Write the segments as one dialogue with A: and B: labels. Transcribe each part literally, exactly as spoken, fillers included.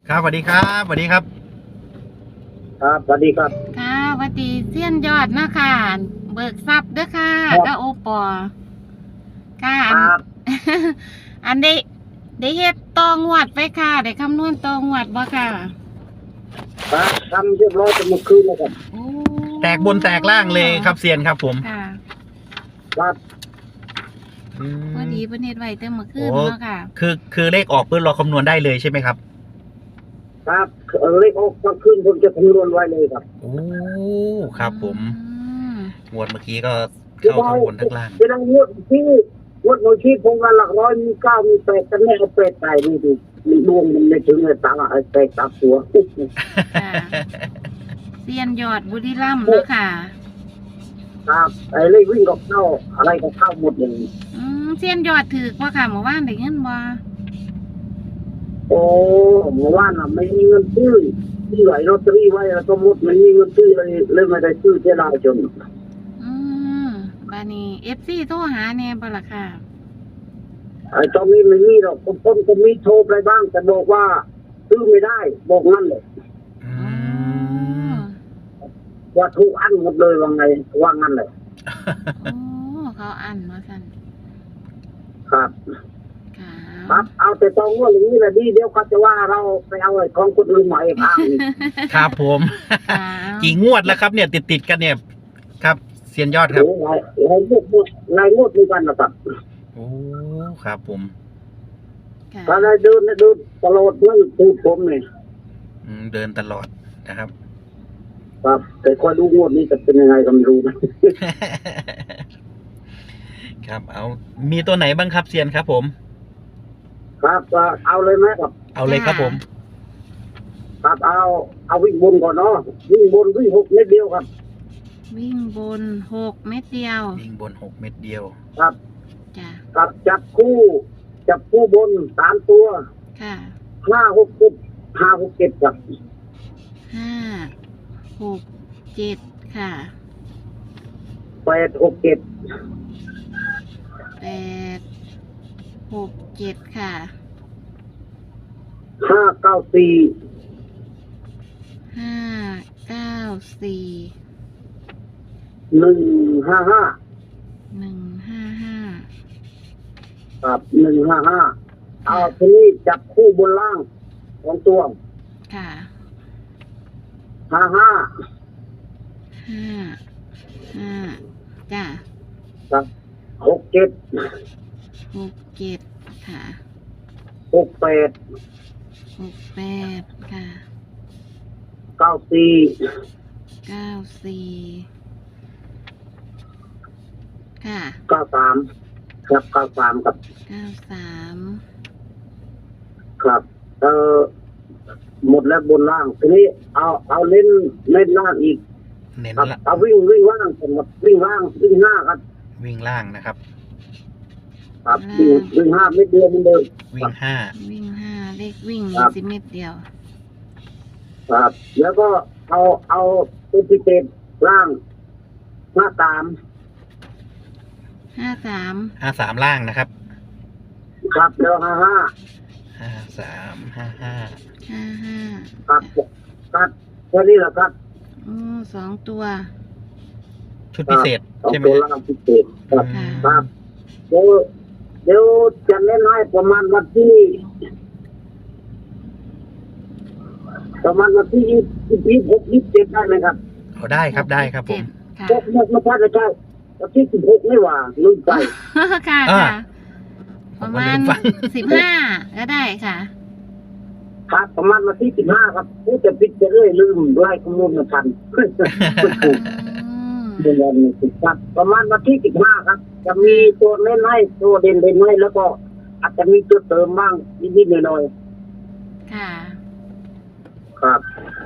A: ครับสวัสดีครับสวัสดีครับ
B: ครับสวัสดีครับ
C: ค่ะหวัดดีเซียนยอดนะค่ะเบิกทรัพย์เด้อค่ะ
B: ครับ
C: ก็โอปอค่ะ
B: ค
C: อัน
B: รับ
C: อันได้ได้เฮ็ดตองวดไปค่ะได้คำนวณตองวดบ่ค่ะ
B: ครับทำเรียบร้อยจะเมื่อคืนแล้วครับ
C: โอ้
A: แตกบนแตกล่างเลยครับเซียนครับผม
C: ค่ะ
B: ครับ
A: อืม
C: พอดีเพิ่นเฮ็ดไว้แต่เมื่อคื
A: โอ้
C: นเนาะค่ะ
A: คือคือเลขออกปุ๊บเราคำนวณได้เลยใช่ไหมครับ
B: ครับเออเลขออกเมื่อคืนผมจะคำนวณไว้เลยครับ
A: โอ้ครับผม
C: อืม
A: งวดเมื่อกี้ก็เข้าทั้งบนทั้งล่าง
B: จะนั่งงวดที่งวดโนชีพผมว่าหลักร้อยมีเก้ามีแปดแต่ไม่เอาแปดใส่ดูดิมันดวงมันไม่ถึงเลยตังค์อะไอ้แปดตับตัว
C: ค่ะเซียนยอดบุรีรัมย์เนาะค่ะ
B: ครับไอ้เลขวิ่งกับเข้าอะไรก็เข้าหมดเลย
C: อืมเซียนยอดถือบ่ค่ะเมื่อวานได้เงินบ่
B: โอ้เมื่อวานน่ะไม่มีเงินซื้อที่ไหลลอตเตอรี่ไว้แล้วก็หมดไม่มีเงินซื้อเลยเลยไม่ได้ซื้อเสียดายจน
C: อืมบานี้ เอฟ ซี โทรหาแน่บ่ล่ะค่ะ
B: ไอ้ตอนนี้ไม่มีหรอกคนคนก็มีโทรไปบ้างแต่บอกว่าซื้อไม่ได้บอกงั้นเลย
A: อื
C: อ๋อ
A: ม
B: ว่าถูกอันหมดเลยว่าไงว่างั้นเลย
C: โอ้เขาอันว่าซั่น
B: ครับ
C: ค่ะ
B: ครับเอาแต่ตองว่าอย่างนี้แหละดีเดี๋ยวเขาจะว่าเราไปเอาไอ้ของคนอื่นมาเองอ้างอีก
A: ครับผม
C: ค่ะ
A: กี่งวดแล้วครับเนี่ยติดติดๆกันเนี่ย ครับเซียนยอดครับ
B: โอ้หลายหลายงวดหลายงวดด้วยกันนะครับ
A: โอ้ครับผม
C: ค่ะ
B: ถ้าได้เดินได้เดินตลอดเพื่อนพูดผมเนี่ย
A: อืมเดินตลอดนะครับ
B: ครับแต่คอยดูงวดนี้จะเป็นยังไงก็ไม่รู้นะ
A: ครับเอามีตัวไหนบ้างครับเซียนครับผม
B: ครับก็เอาเลยไหมครับ
A: เอาเลยครับผม
B: ครับเอาเอาวิ่งบนก่อนเนาะวิ่งบนวิ่งหกเมตรเดียวครับ
C: วิ่งบนหกเม็ดเดียว
A: วิ่งบนหกเม็ดเดียว
B: ครับ
C: จ้ะ
B: กับจับคู่จับคู่บนสามตัว
C: ค่ะ
B: ห้าหกเจ็ดห้าหกเจ็ดครับ
C: ห้าหกเจ็ดค่ะ
B: แปดหกเจ็ด
C: แปดหกเจ็ดค่ะ
B: ห้าเก้าสี่
C: ห้าเก้าสี่
B: หนึ่งห้าห้า
C: หนึ่งห้าห้า
B: ครับหนึ่งห้าห้าเอาทีนี้จับคู่บนล่างของตัว
C: ค่ะ
B: ห้าห้า
C: ห้าห้าจ้ะ
B: ครับหกเจ็ด
C: หกเจ็ดค่ะ
B: หกแปด
C: หกแปดค่ะ
B: เก้าสี่
C: เก้าสี่ค่ะ
B: เก้าสามครับเก้าสามครับ
C: เก้าสาม
B: ครับเออหมดแล้วบนล่างทีนี้เอาเอาเล่นเล่นล่างอีก
A: เน้น
B: ครับ
A: ละ
B: เอาวิ่งวิ่งล่างผมครับวิ่งล่างวิ่งหน้าครับ
A: วิ่งล่างนะครับ
B: ครับวิ่งวิ่งห้าไม่เดียวเหมือนเดิม
A: วิ่งห้า
C: วิ่งห้าเลขวิ่ง
B: ครับ
C: สิเม็ดเดียว
B: ครับ แล้วก็เอาเอาตัวพิเศษล่างหน้าตาม
C: ห้าสาม
A: ห้าสามล่างนะครับ
B: ครับแล้วห้าห้า
A: ห้าสามห้าห้า
C: ห้าห้า
B: ครับครับแค่นี้แหละครับ
C: โอ้สองตัว
A: ชุดพิเศษ
B: สอง
A: ใช่ไหม
B: ตัว
A: ฮะ
B: ล่างพิเศษครับ
A: อืม
B: ครับเดี๋ยวเดี๋ยวจะเล่นให้ประมาณวันที่ ประมาณวันที่ยี่สิบยี่หกยี่สิบเจ็ดได้ไหมครับ
A: เอาได้ครับได้ครับผม
C: ค่ะ
B: พวกเมื่อเมื่อใช่ไม่ใช่วันที่สิบหกไม่ว่าลืมไป
C: ค่ะ
A: อ่า
C: ค่ะ ประมาณ
A: ผมก็ลืมฟัง
C: สิบห้าก็ได้ค่ะ
B: ครับประมาณวันที่สิบห้าครับผู้จะปิดจะเรื่อยลืมไล่ข้อมูลมาทัน
C: อืม
B: เดือนนี้ครับประมาณวันที่สิบห้าครับ จะมีตัวเล่นให้ตัวเด่นเด่นให้แล้วก็ อาจจะมีตัวเติมบ้างนิดๆหน่อย
C: ค่ะ
B: ๆครับ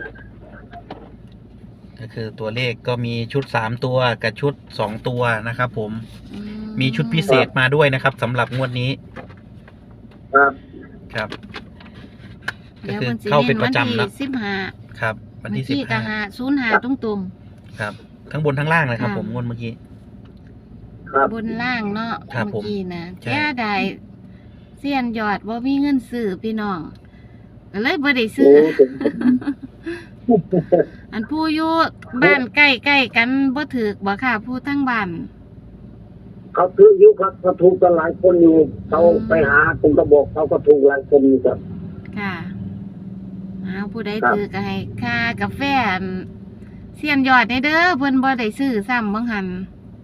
A: ก็คือตัวเลขก็มีชุดสามตัวกับชุดสองตัวนะครับผม
C: อื
A: มีชุดพิเศษมาด้วยนะครับสำหรับงวดนี้
B: ครับ
A: ครับ ก็
C: เดี๋ยว
A: คือ
C: มันสิ
A: เข้าเป็น
C: เน้น
A: ป
C: วัน
A: ระจำ
C: ที่
A: นะ
C: สิบห้า
A: ครับ วันที่สิบ
C: กะ
A: ห้า
C: หาศูนย์หาตรงตรง
A: ครับ ทั้งบนทั้งล่างเลยครับ
C: ค่ะ
A: ผมงวดเมื่อกี้
B: ครับ
C: บนล่างเนาะ
A: ครับ
C: เมื่อกี้นะ
A: ใช่
C: แก่ใดเสียนยอดว่ามีเงินซื้อพี่น้องก็เลยบ่ได้
B: โอ้
C: ซื้อ
B: ถึง
C: อันผู้อยู่บ้านใกล้ๆกันบ่ถูกบ่ค่ะผู้ทั้งบ้าน
B: เขาถืออยู่ครับเขาถูกกันหลายคนอยู่เขาไปหาผมก็บอกเขาก็ถูกหลายคนอยู่ครับ
C: ค่ะเอาผู้ใด
B: ครับ
C: ถือก็ให้ค่ากาแฟอันเสียนยอดในเด้อเพิ่นบ่ได้ซื้อซ้ำบังหัน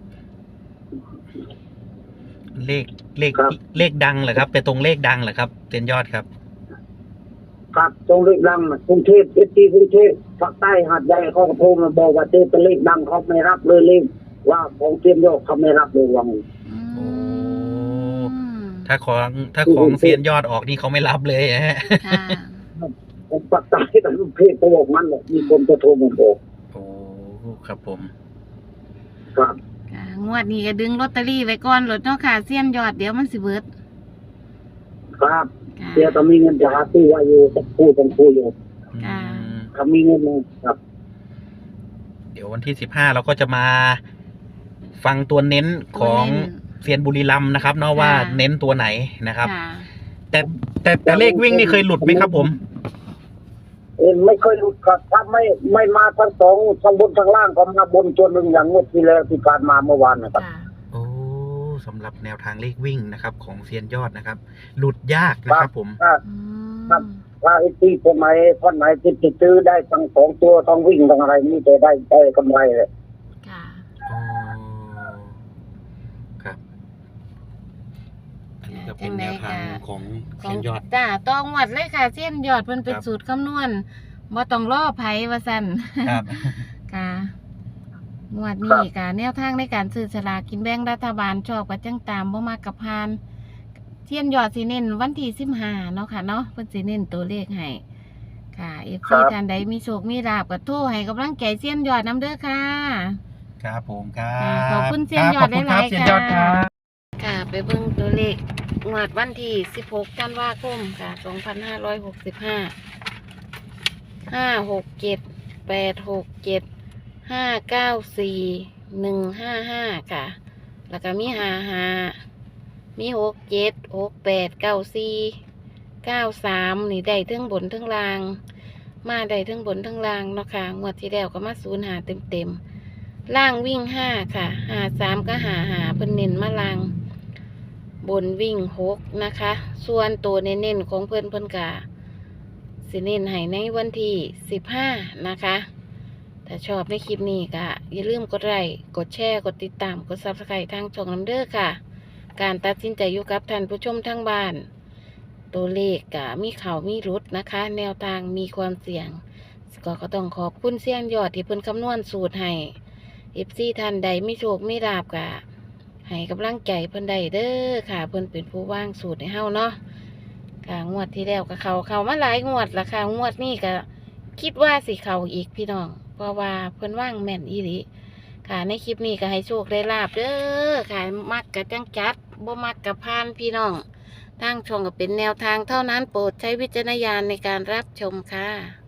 A: เลขเลขเลขดังเหรอครับไปตรงเลขดังเหรอครับเซียนยอดครับ
B: ครับตรงเลขดังน่ะกรุงเทพเอทีกรุงเทพภาคใต้หาดใหญ่เขาก็โทรมาบอกว่าเจอเป็นเลขดังเขาไม่รับเลยเลขว่าของเตรียมโยกเขาไม่รับเลยวัง
C: อืม
A: โอ้ ถ้าของถ้าของเซียนยอดออกนี่เขาไม่รับเลยฮะ
C: ค่ะ
B: ผมภาคใต้กับกรุงเทพเขาบอกมันเนี่ยมีคนจะโทรมาบอก
A: โอ้ครับผม
B: ครับ
C: ค่ะงวดนี้ก็ดึงลอตเตอรี่ไว้ก่อนโลดเนาะค่ะเสียนยอดเดี๋ยวมันสิเบิด
B: ครับ
C: ค่ะ
B: เดี๋ยวถ้ามีเงินจะหาซื้อไว้อยู่สักคู่สองคู่อยู่
C: ค่ะ
A: อืม
B: ถ้ามีเงินนะครับ
A: เดี๋ยววันที่สิบห้าเราก็จะมาฟังตัวเน้นของเซียนบุรีรัมย์นะครับเนาะว่าเน้นตัวไหนนะครับ
C: ค่ะ
A: แต่แต่แต่เลขวิ่งนี่เคยหลุดไหมครับผม
B: เอ็นไม่เคยหลุดครับถ้าไม่ไม่มาทั้งสองทั้งบนทั้งล่างก็มาบนตัวหนึ่งอย่างงวดที่แล้วที่ผ่านมาเมื่อวานนะครับ
C: ค่ะ
A: โอ้สำหรับแนวทางเลขวิ่งนะครับ ของเซียนยอดนะครับ หลุดยากนะครับผม
B: ถ้า
C: อืม
B: ครับ ถ้าไอ้ที่คนไหนท่านไหนที่ติดซื้อได้ทั้งสองตัวทั้งวิ่งทั้งอะไรนี่จะได้ได้กำไรเลย
C: ค่ะ
A: อ๋อครับ อันนี้ก็เป็นแนวทางของ
C: ข
A: เซี
C: อย ง
A: นยอด
C: จ้าต้องวัดเลยค่ะเสียนยอดเพิ่นเป็น
A: ครับ
C: สูตรคำนวณบ่ต้องรอไผว่าซั่น
A: ครับ
C: ค่ะงวดนี้ค่ะแนวทางในการซื้อสลากกินแบ่งรัฐบาลชอบกับจังตามบ่มากกับพานเทียนยอดสิเน้นวันที่สิบห้าเนาะค่ะเนาะเพิ่นสิเน้นตัวเลขให้ค่ะ เอฟ ซี ท่านใดมีโชคมีลาภก็โทรให้กำลังใจเสียนยอดนํเด้อค่ะ
A: ครับผมครั
C: ค่ะ
A: บ
C: ขอบคุณเซียนยอด
A: ครับขบคุณ
C: หลายๆ
A: รับเซียนยอดค
C: ค่ะ
A: รับ
C: ค่ะ ไปเบิ่งตัวเลขงวดวันที่สิบหกธันวาคมค่ะสองพันห้าร้อยหกสิบห้า ห้าหกเจ็ดแปดหกเจ็ดห้าเก้าสี่หนึ่งห้าห้าค่ะ แล้วก็มีห้าห้ามีหกเจ็ดหกแปดเก้าสี่เก้าสามนี่ได้ทั้งบนทั้งล่าง มาได้ทั้งบนทั้งล่างเนาะค่ะงวดที่แล้วก็มาศูนย์หาเต็มเต็มๆล่างวิ่งห้าค่ะหาสามก็หาหาเพิ่นเน้นมาล่าง บนวิ่งหกนะคะ ส่วนตัวเน้นๆของเพิ่นเพิ่นกะ สิเน้นให้ในวันที่สิบห้านะคะ ถ้าชอบในคลิปนี้ก็อย่าลืมกดไลค์กดแชร์ กดติดตาม กดซับสไครต์ทางช่องน้ำเด้อค่ะ การตัดสินใจอยู่กับท่านผู้ชมทั้งบ้าน ตัวเลขก็มีเข่ามีรุดนะคะ แนวทางมีความเสี่ยง ก็ก็ต้องขอบคุณเสี่ยงยอดที่เพิ่นคำนวณสูตรให้ เอฟ ซี ท่านใดไม่โชคไม่ลาบกะให้กำลังใจเพิ่นได้เด้อค่ะ เพิ่นเป็นผู้ว่างสูตรให้เฮาเนาะ ค่ะงวดที่แล้วก็เขาเขามาหลายงวดละค่ะงวดนี้ก็คิดว่าสิเขาอีกพี่น้อง เพราะว่าเพิ่นว่างแม่นอีหลีค่ะในคลิปนี้ก็ให้โชคได้ลาบเด้อค่ะมักกะจังจัดบ่มักกะพานพี่น้องทางช่องก็เป็นแนวทางเท่านั้นโปรดใช้วิจารณญาณในการรับชมค่ะ